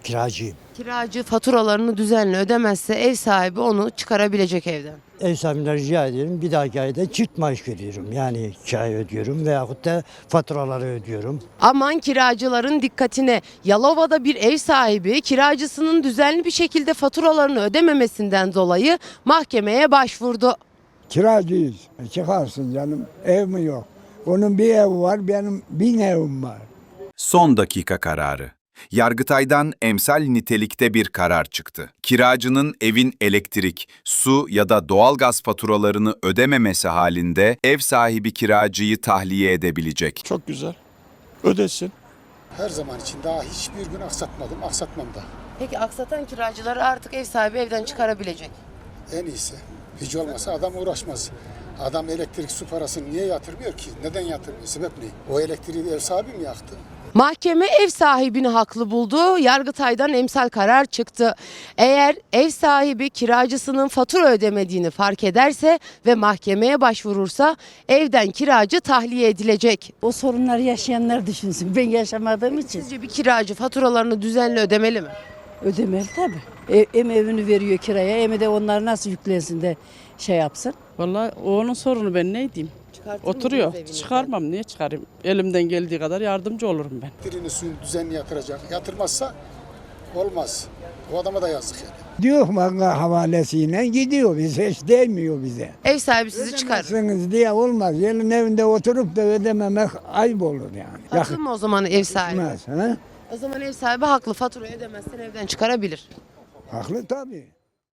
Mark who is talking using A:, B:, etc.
A: Kiracıyım.
B: Kiracı faturalarını düzenli ödemezse ev sahibi onu çıkarabilecek evden.
A: Ev sahibinden rica ediyorum. Bir dahaki ayda çift maaş veriyorum. Yani kirayı ödüyorum veyahut da faturaları ödüyorum.
B: Aman kiracıların dikkatine. Yalova'da bir ev sahibi kiracısının düzenli bir şekilde faturalarını ödememesinden dolayı mahkemeye başvurdu.
C: Kiracıyız. Çıkarsın canım. Ev mi yok? Onun bir evi var, benim 1000 evim var.
D: Son dakika kararı. Yargıtay'dan emsal nitelikte bir karar çıktı. Kiracının evin elektrik, su ya da doğalgaz faturalarını ödememesi halinde ev sahibi kiracıyı tahliye edebilecek.
E: Çok güzel. Ödesin.
F: Her zaman için daha hiçbir gün aksatmadım, aksatmam da.
B: Peki aksatan kiracıları artık ev sahibi evden çıkarabilecek.
F: En iyisi. Hiç olmasa adam uğraşmaz. Adam elektrik su parasını niye yatırmıyor ki? Neden yatırmıyor? Sebep ne? O elektriği ev sahibi mi yaktı?
B: Mahkeme ev sahibini haklı buldu. Yargıtay'dan emsal karar çıktı. Eğer ev sahibi kiracısının fatura ödemediğini fark ederse ve mahkemeye başvurursa evden kiracı tahliye edilecek.
G: O sorunları yaşayanlar düşünsün. Ben yaşamadığım için
B: Sizce bir kiracı faturalarını düzenli ödemeli mi?
G: ödemeli tabii. Hem evini veriyor kiraya hem de onlar nasıl yüklensin de şey yapsın.
H: Vallahi o onun sorunu, ben ne diyeyim? Oturuyor. Çıkarmam, niye çıkarayım? Elimden geldiği kadar yardımcı olurum ben.
F: Elektriğini suyunu düzenli yatıracak. Yatırmazsa olmaz. O adama da yazık yani.
C: Diyor banka havalesiyle gidiyor. Biz hiç değmiyor bize.
B: Ev sahibi sizi çıkarır.
C: Ödemezsiniz diye olmaz. Yerin evinde oturup da ödememek ayıp olur yani.
B: Haklı mı o zaman ev sahibi?
C: Yakışmaz, ha?
B: O zaman ev sahibi haklı. Faturayı ödemezsen evden çıkarabilir.
C: Haklı tabii.